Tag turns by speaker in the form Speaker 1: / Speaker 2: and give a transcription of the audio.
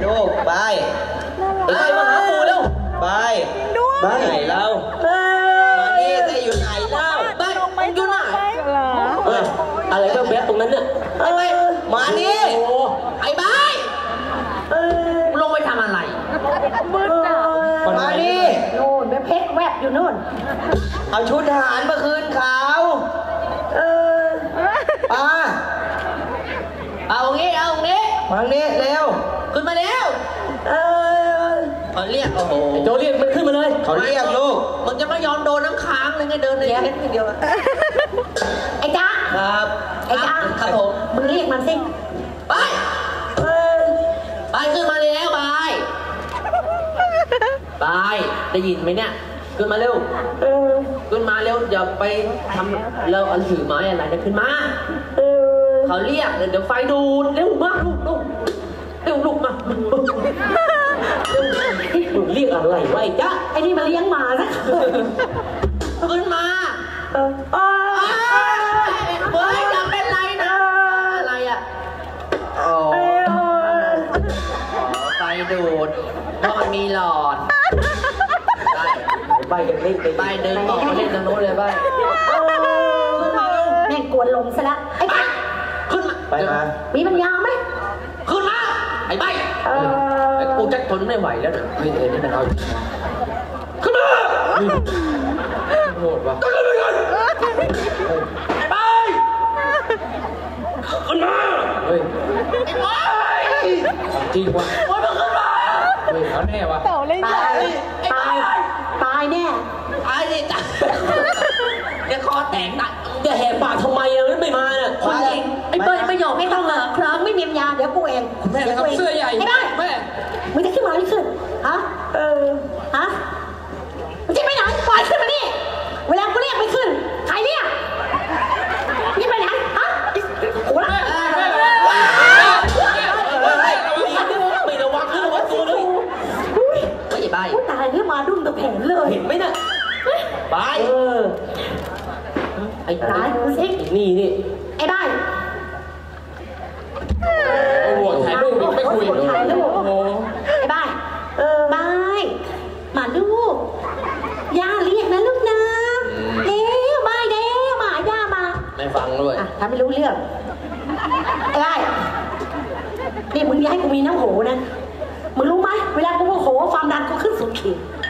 Speaker 1: ลูกไปไอ้มาหาปู่แล้วไปไปไหนเรามานี่ได้อยู่ไหนเล่าไปอยู่ไหนอะไรก็แวะตรงนั้นเนี่ยไปมานี่ไอ้บ้าลงไปทำอะไรมานี่
Speaker 2: โน่นเพชรแวบอยู่โน่น
Speaker 1: เอาชุดทหารมาคืนเขาเอางี้มางี้เร็วขึ้นมาเร็วเขาเรียกโอ้โหโจเรียกมันขึ้นมาเลยเขาเรียกลูกมันจะไม่ยอมโดนน้ำค้างเลยไงเดินในเพชรทีเดียว
Speaker 2: ไอ้จ๊ะ
Speaker 1: ครับ
Speaker 2: ไอ้จ๊ะ
Speaker 1: ครับผม
Speaker 2: มึงเรียกมันสิ
Speaker 1: ไปขึ้นมาแล้วไปได้ยินไหมเนี่ยขึ้นมาเร็วขึ้นมาเร็วอย่าไปทำเราอันถือไม้อะไรนะขึ้นมาเขาเรียกเดี๋ยวไฟดูดเร็วมากลูกมามึงเรียกอะไรวะไอ้จ๊ะ
Speaker 2: ไอ้นี่มาเลี้ยงหมานะ
Speaker 1: ขึ้นมาเฮ้ยอย่าเป็นไรนะอะไรอ่ะไฟดูดเพราะมันมีหลอดใบเล่นใบเดินออกมาเล่นตรงโน้นเลยใบ
Speaker 2: แม่งกวนลมซะแล้วไอ้จ๊ะ
Speaker 1: ขึ้นมาไปมา
Speaker 2: มีปัญญาไหม
Speaker 1: ขึ้นมาไอ้ใบไอ้กูจะทนไม่ไหวแล้วเนี่ยนี่มันเอาขึ้นมาโหดว่ะขึ้นมาก่อนไปขึ้นมาเฮ้ยจริงว่ะโอ้ยมันขึ้นมาเฮ้ยเขาแน่ว่ะ
Speaker 2: ตายแน่
Speaker 1: ตายดิจ้ะเดี๋ยวคอแตกนะจะแหกปากทำไมอ่ะไม่มาเนี่ยคนจริงไอ้เปิ้ลไม่ยอม
Speaker 2: ไม่ต้องเหรอครั้งไม่มีปัญญาเดี๋ยวกูเอง
Speaker 1: แม่ครับเสื้อใหญ่
Speaker 2: ไอ้บ้า
Speaker 1: แม่
Speaker 2: มึงจะขึ้นมาไม่ขึ้นฮะฮะมึงจะไปไหนปล่อยขึ้นมาดิเวลากูเรียกไม่ขึ้นใครเรียกนี่ไปไหนฮะโอ้ย
Speaker 1: ไม่ระวังขึ้นระวังตัวเลยไม่ใช่ใบ
Speaker 2: ตายเนี่ยมาดุ้งตะแผงเลย
Speaker 1: เห็นไหมน่ะใบไอ้
Speaker 2: ตายกูสิ
Speaker 1: นี่
Speaker 2: ไอ้บ้าน
Speaker 1: หัวถ่ายรูปไม่คุย
Speaker 2: ถ่ายรูปไอ้บ้านบ้านมาลูกย่าเรียกนะลูกนะเร็วบ้านเร็วมาย่ามา
Speaker 1: ไม่ฟังด้วย
Speaker 2: ทำไม่รู้เรื่องไอ้บ้านนี่มึงอย่าให้กูมีน้ำโหนะมึงรู้ไหมเวลากูโมโหความดันกูขึ้นสุดขีด